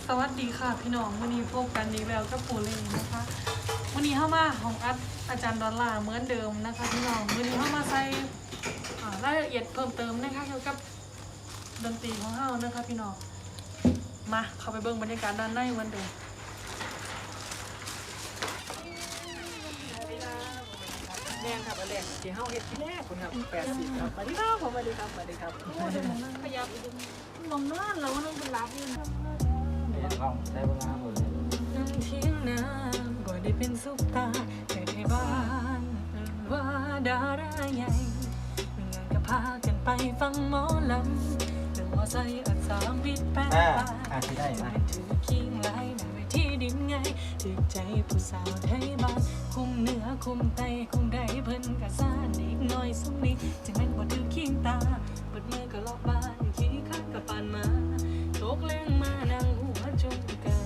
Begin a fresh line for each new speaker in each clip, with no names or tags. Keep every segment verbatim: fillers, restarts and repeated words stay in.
สวัสดีค่ะพี่น้องวันนี้พบกันดีแล้วกับปูเลยนะคะวันนี้เข้ามาของอัดอาจารย์ดอลลาร์เหมือนเดิมนะคะพี่น้องวันนี้เข้ามาใส่รายละเอียดเพิ่มเติมนะคะเกี่ยวกับดนตรีของเฮานะคะพี่น้องมาเข้าไปเบิ่งบรรยากาศด้านในเหมือนเดิม
แรงครับแรงที่เฮาเฮ็ดที่แรกคุณครับแปดสิบครับสวัสดีครับผมสวัสดีครับสวัสดีครับโอ้ยมันนั่งขยับนมนอนแล้วว่านั่งเป็นรับอยู่นะ
ลองได้เวลาหมดเลย
นั่งเที่ยงน้ำบ่ได้เป็นซุปตาแต่ในบ้านว่าดาราใหญ่เงินก็พากันไปฟังหมอลำเรื่องมอไซค์อัดสามบิดแปด
อ่า
บาท
อาที่ได้ไหม
ถือคิงไล่ในเวทีดินไงถือใจผู้สาวไทยบ้านคุมเนื้อคุมไตคุมได้เพิ่นกะซ่านอีกหน่อยสุมนี้จึงแม่นบ่ถือคิงตาเปิดมือก็ลอกบ้านขี้ข้างกับปานมาตกแรงมานั่งหัวจุ่มกัน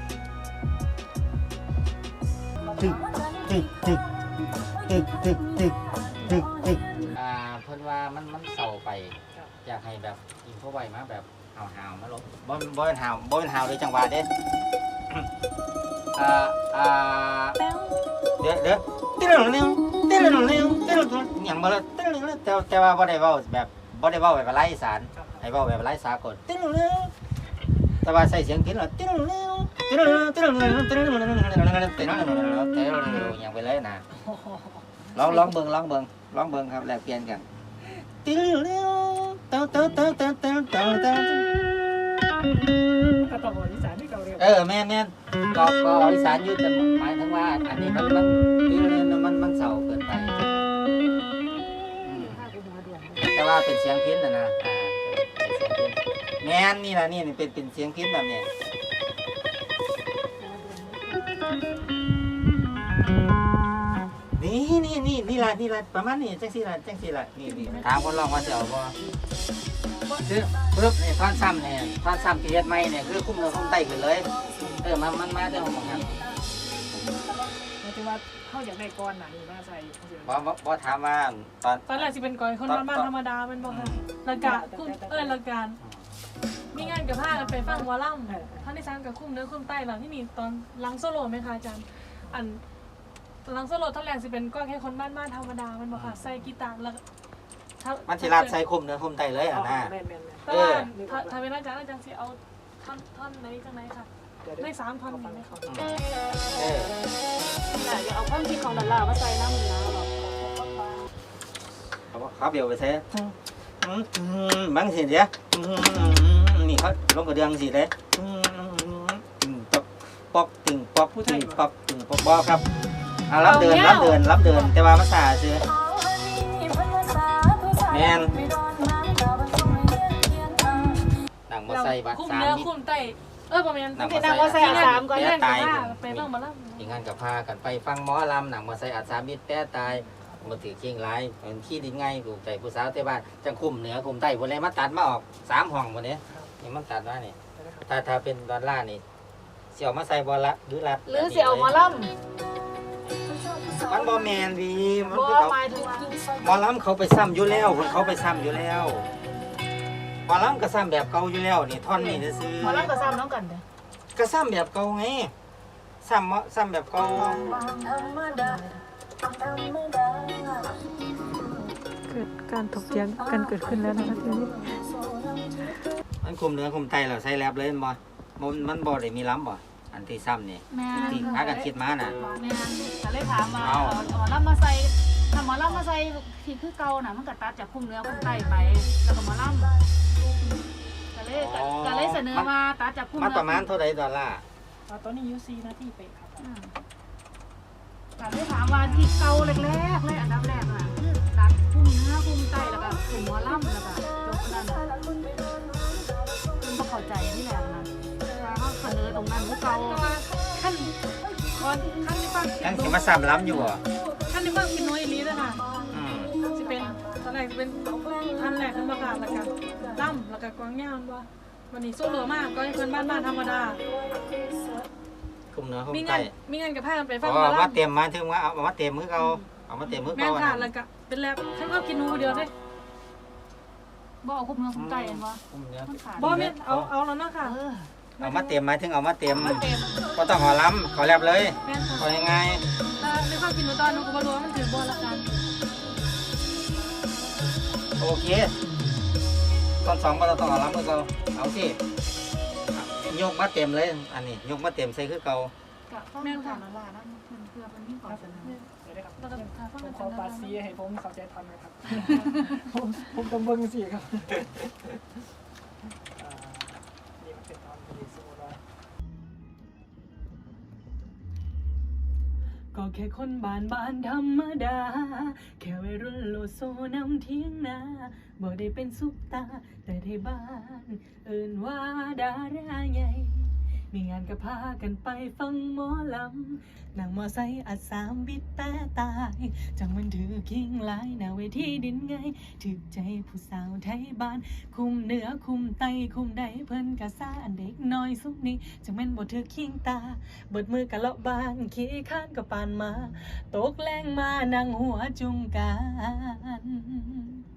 ตึกตึกตึกตึกตึกตึกตึกตึกอ่าเพิ่นว่ามันมันเศร้าไปอยากให้แบบอินโฟไว้มาแบบหาวหาวมาลบบ่บ่เป็นหาวบ่เป็นหาวเลยจังหวะเด้อ่าอ่าเดี๋ยวเดี๋ยวติ๊ดหนึ่งนิ้วติ๊ดหนึ่งนิ้วติ๊ดหนึ่งอย่างบ่ละติ๊ดหนึ่งแต่แต่ว่าบ่ได้เว้าแบบบ่ได้เว้าแบบภาษาอีสานให้เว้าแบบภาษาสากลติ๊ดหนึ่งนิ้วแต่ว่าใส่เสียงกินแล้วติ๊ดหนึ่งนิ้วติ๊ดหนึ่งติ๊ดหนึ่งติ๊ดหนึ่งติ๊ดหนึ่งติ๊ดหนึ่งติ๊ดหนึ่งอย่างไปเลยนะลองลองเบิ่งลองเบิ่งลองเบิ่งครับแลกเปลี่ยนกันติ๊ดหนึ่งเต้าเต้าเต้าเต้าเต้าเต้าเต้า
ก็ต้องบอกอีสานที่เก่าเร็ว
เออแม่แม่ก็ก็อีสานอยู่แต่หมายถึงว่าอันนี้มันมันมันมันเศร้าเกินไปแต่ว่าเป็นเสียงพิณนะนะอ่าเป็นเสียงพิณแม่นนี่นะนี่เป็นเป็นเสียงพิณแบบนี้นี่นี่นี่นี่ละนี่ละประมาณนี้จังสี่ละจังสี่ละนี่นี่ถามคนลองว่าจะเอาบ่คือปึ๊บนี่ท่อนซ้ำเนี่ยท่อนซ้ำที่เฮ็ดใหม่เนี่ยคือคุ้มเนื้อคุ้มไตขึ้นเลยเออมันมันมาเรื่องของมัน
หมายถึงว่าเฮาอยากได้ก้อนน่ะนี่มาใส่
บ่บ่บ่ถามว่าตอน
ตอนแรกสิเป็นก้อยคนบ้านๆธรรมดาเป็นบ่ค่ะแล้วก็คุ้มเอ้ยแล้วกันมีงานกับผ้ากันไปฟังวอลลัมท่านที่สามกับคุ้มเนื้อคุ้มไตหลังที่มีตอนลังโซโล่ไหมคะอาจารย์อันลังโซโล่ท่อนแรกสิเป็นก้อยแค่คนบ้านๆธรรมดามันบ่ค่ะใส่กีตาร์แล้ว
มันสิรัดใส่คุ้มเนื้อคุ้มไตเลยอ่ะนะ
แม่นแม่น
แต่ว่าถ้าถ้าเป็นอาจารย์อาจารย์สิเอาท่อนท่อนไหนจังไหนค่ะได้สามท่อนมีไหมคะ
เออ
แต่อย่าเอาความคิดของดอลลาร์มาใส่น้ำมันนะหรอก
เขาเขาเบียวไปใส่บางสิเดียวนี่เขาลงกระเดืองสิเลยตึงป๊อกป๊อกตึงป๊อกตึงป๊อกตึงป๊อกบ่ครับอ่ะรับเดินรับเดินรับเดินแต่ว่าภาษาซื้อแม่นหนังมาใส่บัตร
คุ้ม
สาม
เนื้อ
มิตร
คุ้มไตเออประมาณ
หนัง
ที่
มา
นั่ง
ใส่
ว่าใส่สามก้อยเล่นกับผ้าไปบ้างมาแล้ว
อีกงานกับพากันไปฟังหมอลำหนังมาใส่อัดสามิตรแต่ตายมาถือเคียงไรเป็นขี้ดินไงถูกใจผู้สาวแต่บ้านจังคุมเหนือคุมใต้บนเลยมาตัดมาออกสามห้องวันนี้นี่มันตัดมานี่ถ้าถ้าเป็นดอลลาร์นี่เสี่ยวมาใส่บอลละหรือรัด
หรือสิเอาหมอลำ
มันบอแมนดีมัน
บ่
คือเขา
หมายถึงว่า
หมอลำเขาไปซ้ำอยู่แล้วคนเขาไปซ้ำอยู่แล้วหมอลำก็ซ้ำแบบเก่าอยู่แล้วนี่ท่อนนี่จะซื้อ
หมอลำกับซ้ำน้องกันเด้อ
ก็ซ้ำแบบเก่าไงซ้ำซ้ำแบบเก่า
เกิดการถกเถียงกันเกิดขึ้นแล้วนะคะทีนี้
มันคุมเนื้อคุมไตเราใส่แลบเลยมันบ่มันมันบ่ได้มีล้ำบ่อันที่ซ้ำนี่
แม่
ที่หากันคิดมาน่ะ
แม่ก็เลยถามมาเอาหมอลำมาใส่ถ้าหมอลำมาใส่ที่คือเก่าน่ะมันก็ตัดจากคุ้มเนื้อคุ้มไตไปแล้วก็หมอลำก็เลยก็เลยเสนอมาตัดจากคุ้ม
มัน
เนื้อ
ประมาณเท่าไหร่ดอลลาร์
ตอนนี้ยูซีนาทีเป๊ะครับ
ก็เลยถามว่าที่เก่าแรกๆเลยอันดับแรกน่ะคือตัดคุ้มเนื้อคุ้มไตแล้วก็คุ้มหมอลำแล้วก็จบนั่นคุณบ่เข้าใจที่แรกนะว่าเขาเสนอตรงนั้นคือเก่า
ขั้นก่อนขั้นที่ฟัง
ยังสิมาซ้ำล้ำอยู่บ่
ขั้นที่ฟังกินน้อยนี้นะคะ
อืม
จะเป็นตอนแรกจะเป็นท่านแรกขึ้นมาค่ะแล้วก็ล่ำแล้วก็กวางยาวว่าวันนี้โซโล่มากก็ให้เพื่อนบ้านบ้านธรรมดา
คุมเนื้อคุม
มี
ไต
งานมีงานกับผ้ากันไปฟั
อ๋
ง
อ
มา
มา
ล่ำ
เต็มมาถึงว่าเอามาเต็มมือเขาเอามาเต็มมือ
แม่
เขา
ค่ะ
อัน
แล้
นั้
วน ก็เป็นแลบฉันก็กินนูเดียวได้
บ่เอาคุ้มเนื้อคุ้มไตเห็นบ่
คุมเนื้อ
มันขาด
บ่แม่เอาเอาแล้วนะค่ะ
เออ
เอามาเต็มหมายถึงเอามาเต็ม
มาเต็ม
ก็ต้องขอล้ำขอแลบเลย
แม่น
ขอ
ค่ะ
ยังไง
แต่ในความคิดหนูตอนหนูก็บ่รู้ว่ามันถือบ่ละกัน
โอเคตอนสองก็ต้องเอาล้ำคือเก่าเอาสิยกมาเต็มเลย อันนี้ยกมาเต็มใส่คือเก่า
กับข้าวแม่ค่ะละลายแล้วมันเพื่อมันมีความสนุก
เนี่ย
เดี๋ยวนะครับ
แล้วก็ทาฟัง
ผม
อา
ข
จา
อ
รย์
ปา
ดา
ซี
รา
ให้ผมเข้าใจทันนะครับ ผมผมต้องเบิ่งสิครับอ่านี่มันเป็นตอนที่สมมติว่า
ก็แค่คนบ้านบ้านธรรมดา แค่วัยรุ่นโลโซนำเที่ยงนาบ่ได้เป็นซุปตา แต่ในบ้าน เอิ้นว่าดาราใหญ่ มีงานก็พากันไปฟังหมอลำนั่งมอไซค์อัดสามบิดแต่ตาย จังมันถือคิงหลายหน้าเวทีดินไงถึกใจผู้สาวไทยบ้าน คุมเหนือคุมไตคุมใดเพิ่นกะซ่าอันเด็กน้อยสุกนี้จังแม่นบ่ถือคิงตาเบิดมือกะเลาะบ้านขี้ข้านก็ปานมา ตกแรงมานั่งหัวจุงกัน